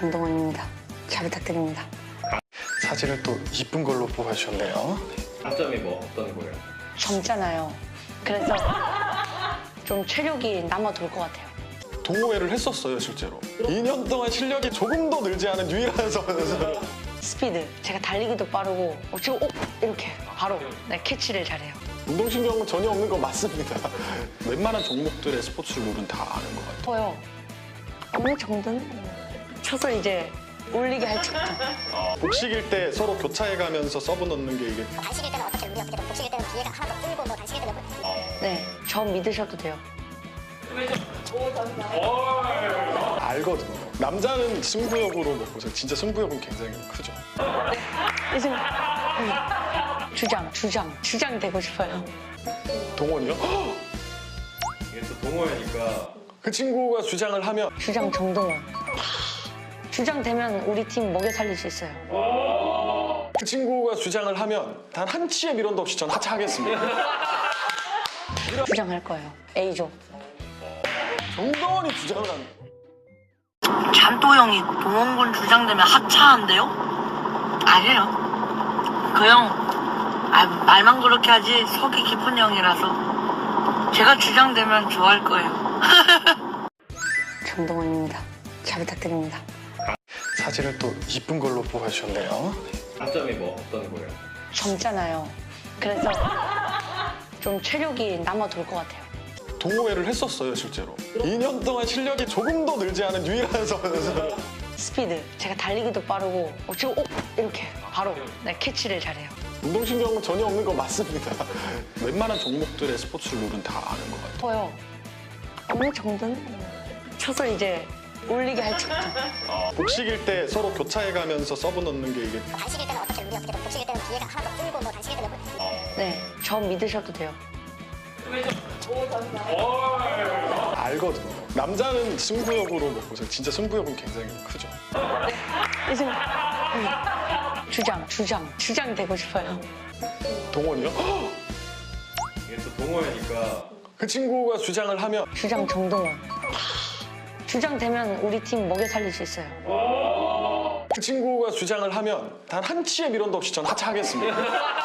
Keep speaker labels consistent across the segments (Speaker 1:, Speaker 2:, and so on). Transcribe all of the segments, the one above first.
Speaker 1: 정동원입니다. 잘 부탁드립니다.
Speaker 2: 사진을 또 이쁜 걸로 뽑아주셨네요.
Speaker 3: 장점이 뭐 어떤 거예요?
Speaker 1: 젊잖아요. 그래서 좀 체력이 남아돌 것 같아요.
Speaker 2: 동호회를 했었어요, 실제로. 2년 동안 실력이 조금 도 늘지 않은 유일한 선수.
Speaker 1: 스피드, 제가 달리기도 빠르고 지금 이렇게 바로 캐치를 잘해요.
Speaker 2: 운동신경은 전혀 없는 거 맞습니다. 웬만한 종목들의 스포츠 룰은 다 아는 것 같아요.
Speaker 1: 저요. 어느 정도는 쳐서 이제 올리게 할 정도.
Speaker 2: 복식일 때 서로 교차해가면서 서브 넣는 게 이게
Speaker 4: 단식일 때는 어떻게 룰이 어떻게 돼? 복식일 때는 기회가 하나 더 줄고 뭐 단식일 때는
Speaker 1: 네, 저 믿으셔도 돼요.
Speaker 2: 알거든요. 남자는 승부욕으로 먹고 진짜 승부욕은 굉장히 크죠.
Speaker 1: 요즘 주장 되고 싶어요.
Speaker 2: 동원이요?
Speaker 3: 이게 또 동호회니까
Speaker 2: 그 친구가 주장을 하면
Speaker 1: 주장 정동원. 주장 되면 우리 팀 먹여 살릴 수 있어요.
Speaker 2: 그 친구가 주장을 하면 단 한 치의 미련도 없이 전 하차하겠습니다.
Speaker 1: 주장할 거예요. A조.
Speaker 2: 정동원이 주장을 한
Speaker 5: 잔또 형이 동원군 주장되면 하차한대요? 아니에요. 그 형, 말만 그렇게 하지 속이 깊은 형이라서 제가 주장되면 좋아할 거예요.
Speaker 1: 정동원입니다. 잘 부탁드립니다.
Speaker 2: 사진을 또 이쁜 걸로 뽑아주셨네요.
Speaker 3: 장점이 뭐 어떤 거예요?
Speaker 1: 젊잖아요. 그래서 좀 체력이 남아돌 것 같아요.
Speaker 2: 동호회를 했었어요, 실제로. 2년 동안 실력이 조금 도 늘지 않은 유일한 선수.
Speaker 1: 스피드, 제가 달리기도 빠르고 지금 이렇게 바로 캐치를 잘해요.
Speaker 2: 운동신경은 전혀 없는 거 맞습니다. 웬만한 종목들의 스포츠 룰은 다 아는 것 같아요.
Speaker 1: 저요. 어느 정도는 쳐서 이제 올리게 할 정도.
Speaker 2: 복식일 때 서로 교차해가면서 서브 넣는 게 이게
Speaker 4: 단식일 때는 어떻게 룰이 어떻게 돼? 복식일 때는 기회가 하나 더 줄고 뭐 단식일 때는
Speaker 1: 네, 저 믿으셔도 돼요.
Speaker 2: 알거든요. 남자는 승부욕으로 먹고 진짜 승부욕은 굉장히 크죠.
Speaker 1: 요즘 주장 되고 싶어요.
Speaker 2: 동원이요?
Speaker 3: 이게 또 동호회니까
Speaker 2: 그 친구가 주장을 하면
Speaker 1: 주장 정동원. 주장 되면 우리 팀 먹여 살릴 수 있어요.
Speaker 2: 그 친구가 주장을 하면 단 한 치의 미련도 없이 전 하차하겠습니다.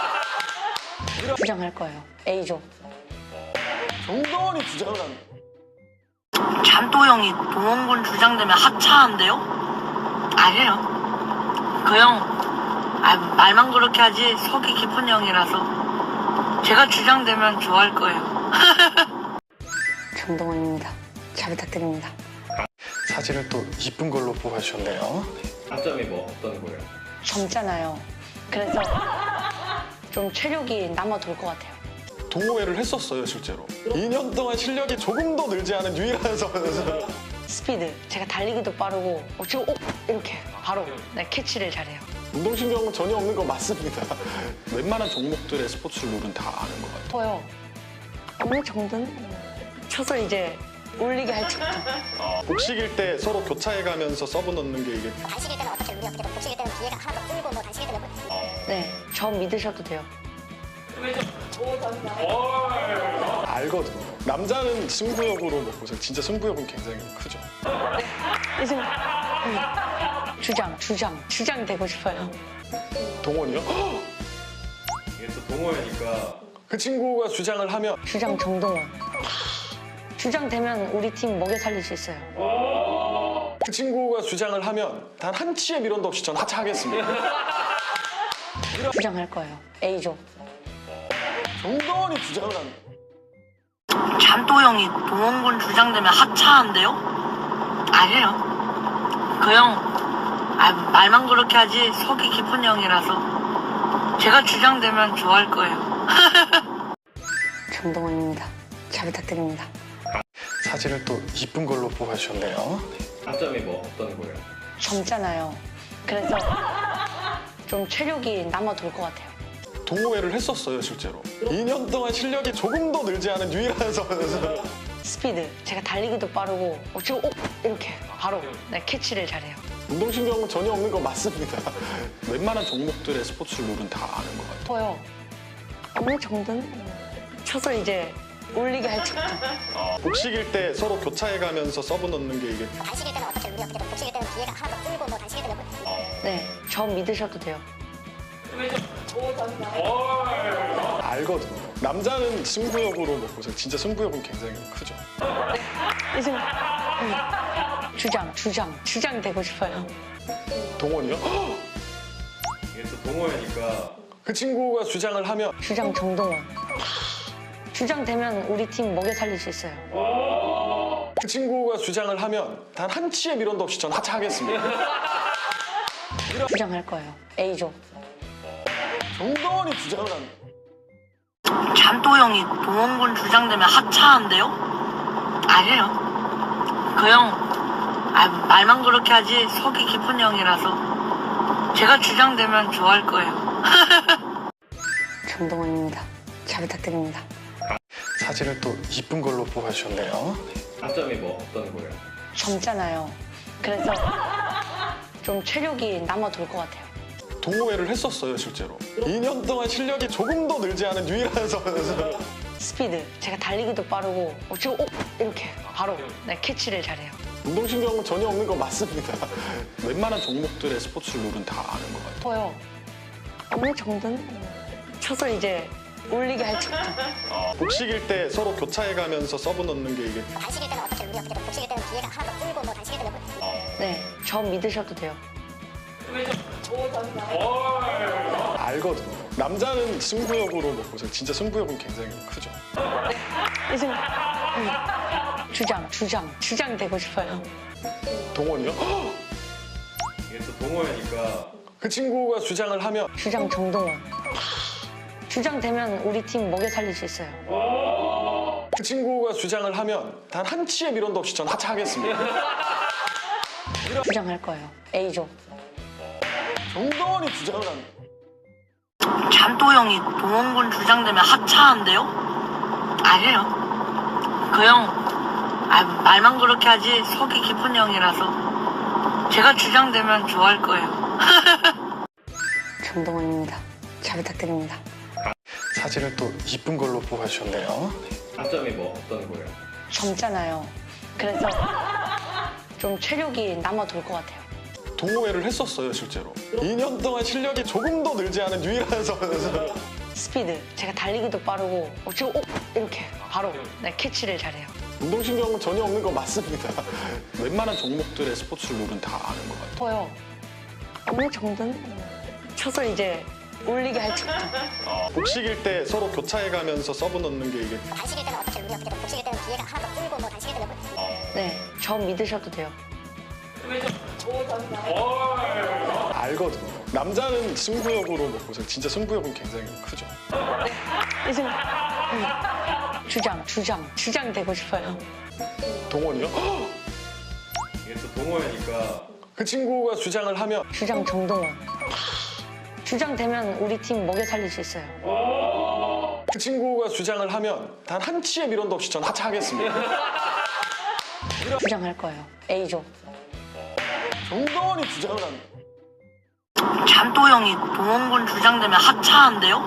Speaker 1: 주장할 거예요. A조.
Speaker 2: 정동원이 주장을 한
Speaker 5: 잔또 형이 동원군 주장되면 하차한대요? 아니에요. 그 형, 말만 그렇게 하지 속이 깊은 형이라서 제가 주장되면 좋아할 거예요.
Speaker 1: 정동원입니다. 잘 부탁드립니다.
Speaker 2: 사진을 또 이쁜 걸로 뽑아주셨네요.
Speaker 3: 장점이 뭐 어떤 거예요?
Speaker 1: 젊잖아요. 그래서 좀 체력이 남아돌 것 같아요.
Speaker 2: 동호회를 했었어요, 실제로. 2년 동안 실력이 조금 도 늘지 않은 유일한 선수.
Speaker 1: 스피드, 제가 달리기도 빠르고 지금 이렇게 바로 캐치를 잘해요.
Speaker 2: 운동신경은 전혀 없는 거 맞습니다. 웬만한 종목들의 스포츠 룰은 다 아는 것 같아요.
Speaker 1: 저요. 어느 정도는 쳐서 이제 올리게 할 정도.
Speaker 2: 복식일 때 서로 교차해가면서 서브 넣는 게 이게
Speaker 4: 단식일 때는 어떻게 룰이 어떻게 돼? 복식일 때는 기회가 하나 더 줄고 뭐 단식일 때는
Speaker 1: 네, 저 믿으셔도 돼요.
Speaker 2: 알거든요. 남자는 승부욕으로 먹고 진짜 승부욕은 굉장히 크죠.
Speaker 1: 요즘 주장 되고 싶어요.
Speaker 2: 동원이요?
Speaker 3: 이게 또 동호회니까
Speaker 2: 그 친구가 주장을 하면
Speaker 1: 주장 정동원. 주장 되면 우리 팀 먹여 살릴 수 있어요.
Speaker 2: 그 친구가 주장을 하면 단 한 치의 미련도 없이 전 하차하겠습니다.
Speaker 1: 주장할 거예요. A조.
Speaker 2: 정동원이 주장을 한
Speaker 5: 잔또 형이 동원군 주장되면 하차한대요? 아니에요. 그 형, 말만 그렇게 하지 속이 깊은 형이라서 제가 주장되면 좋아할 거예요.
Speaker 1: 정동원입니다. 잘 부탁드립니다.
Speaker 2: 사진을 또 이쁜 걸로 뽑아주셨네요.
Speaker 3: 장점이 뭐 어떤 거예요?
Speaker 1: 젊잖아요. 그래서 좀 체력이 남아돌 것 같아요.
Speaker 2: 동호회를 했었어요, 실제로. 2년 동안 실력이 조금 도 늘지 않은 유일한 선수.
Speaker 1: 스피드, 제가 달리기도 빠르고 지금 이렇게 바로 캐치를 잘해요.
Speaker 2: 운동신경은 전혀 없는 거 맞습니다. 웬만한 종목들의 스포츠 룰은 다 아는 것 같아요.
Speaker 1: 저요. 어느 정도는 쳐서 이제 올리게 할 정도.
Speaker 2: 복식일 때 서로 교차해가면서 서브 넣는 게 이게
Speaker 4: 단식일 때는 어떻게 룰이 어떻게 돼? 복식일 때는 기회가 하나 더 줄고 뭐
Speaker 1: 저 믿으셔도 돼요.
Speaker 2: 알거든요. 남자는 승부욕으로 먹고서 진짜 승부욕은 굉장히 크죠.
Speaker 1: 이제 주장 되고 싶어요.
Speaker 2: 동원이요?
Speaker 3: 이게 또 동호회니까
Speaker 2: 그 친구가 주장을 하면
Speaker 1: 주장 정동원. 주장 되면 우리 팀 먹여 살릴 수 있어요.
Speaker 2: 그 친구가 주장을 하면 단 한 치의 미련도 없이 전 하차하겠습니다.
Speaker 1: 주장할 거예요. A조.
Speaker 2: 정동원이 주장을 하면
Speaker 5: 잔또 형이 동원군 주장되면 하차한대요? 아니에요. 그 형 말만 그렇게 하지 속이 깊은 형이라서 제가 주장되면 좋아할 거예요.
Speaker 1: 정동원입니다. 잘 부탁드립니다.
Speaker 2: 사진을 또 이쁜 걸로 뽑아주셨네요.
Speaker 3: 장점이 뭐 어떤 거예요?
Speaker 1: 젊잖아요. 그래서 좀 체력이 남아 돌 것 같아요.
Speaker 2: 동호회를 했었어요, 실제로. 2년 동안 실력이 조금 더 늘지 않은 유일한 선수.
Speaker 1: 스피드. 제가 달리기도 빠르고 지금 이렇게 바로 캐치를 잘해요.
Speaker 2: 운동신경은 전혀 없는 거 맞습니다. 웬만한 종목들의 스포츠 룰은 다 아는 것 같아요.
Speaker 1: 보여. 어느 정도는 쳐서 이제 올리게 할 정도.
Speaker 2: 복식일 때 서로 교차해가면서 서브 넣는 게 이게
Speaker 4: 단식일 때는 어떻게 우리 어떻게 복식일 때는 기회가 하나 더 줄고 뭐 단식일 때는
Speaker 1: 네, 저 믿으셔도 돼요.
Speaker 2: 알거든요. 남자는 승부욕으로 먹고서 진짜 승부욕은 굉장히 크죠.
Speaker 1: 이제 주장 되고 싶어요.
Speaker 2: 동원이요?
Speaker 3: 이게 또 동호회니까
Speaker 2: 그 친구가 주장을 하면
Speaker 1: 주장 정동원. 주장 되면 우리 팀 먹여 살릴 수 있어요.
Speaker 2: 그 친구가 주장을 하면 단 한 치의 미련도 없이 전 하차하겠습니다.
Speaker 1: 주장할 거예요. A조.
Speaker 2: 정동원이 주장을 하면
Speaker 5: 잔또 형이 동원군 주장되면 하차한대요? 아니에요. 그 형 말만 그렇게 하지 속이 깊은 형이라서 제가 주장되면 좋아할 거예요.
Speaker 1: 정동원입니다. 잘 부탁드립니다.
Speaker 2: 사진을 또 이쁜 걸로 뽑아주셨네요.
Speaker 3: 장점이 뭐 어떤 거예요?
Speaker 1: 젊잖아요. 그래서 좀 체력이 남아 돌 것 같아요.
Speaker 2: 동호회를 했었어요, 실제로. 2년 동안 실력이 조금 더 늘지 않은 유일한 선수.
Speaker 1: 스피드. 제가 달리기도 빠르고 지금 이렇게 바로 캐치를 잘해요.
Speaker 2: 운동신경은 전혀 없는 거 맞습니다. 웬만한 종목들의 스포츠 룰은 다 아는 것 같아요.
Speaker 1: 보여. 어느 정도는 쳐서 이제 올리게 할 정도.
Speaker 2: 복식일 때 서로 교차해가면서 서브 넣는 게 이게
Speaker 4: 단식일 때는 어떻게 우리 어떻게 복식일 때는 기회가 하나 더 줄고 뭐 단식일 때는
Speaker 1: 네, 저 믿으셔도 돼요.
Speaker 2: 알거든요. 남자는 승부욕으로 먹고서 진짜 승부욕은 굉장히 크죠.
Speaker 1: 이제 주장 되고 싶어요.
Speaker 2: 동원이요?
Speaker 3: 이게 또 동호회니까
Speaker 2: 그 친구가 주장을 하면
Speaker 1: 주장 정동원. 주장 되면 우리 팀 먹여 살릴 수 있어요.
Speaker 2: 그 친구가 주장을 하면 단 한 치의 미련도 없이 전 하차하겠습니다.
Speaker 1: 주장할 거예요. A조.
Speaker 2: 정동원이 주장을 하면
Speaker 5: 잔또 형이 동원군 주장되면 하차한대요?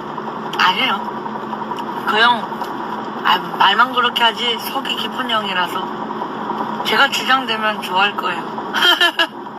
Speaker 5: 아니에요. 그 형 말만 그렇게 하지 속이 깊은 형이라서 제가 주장되면 좋아할 거예요.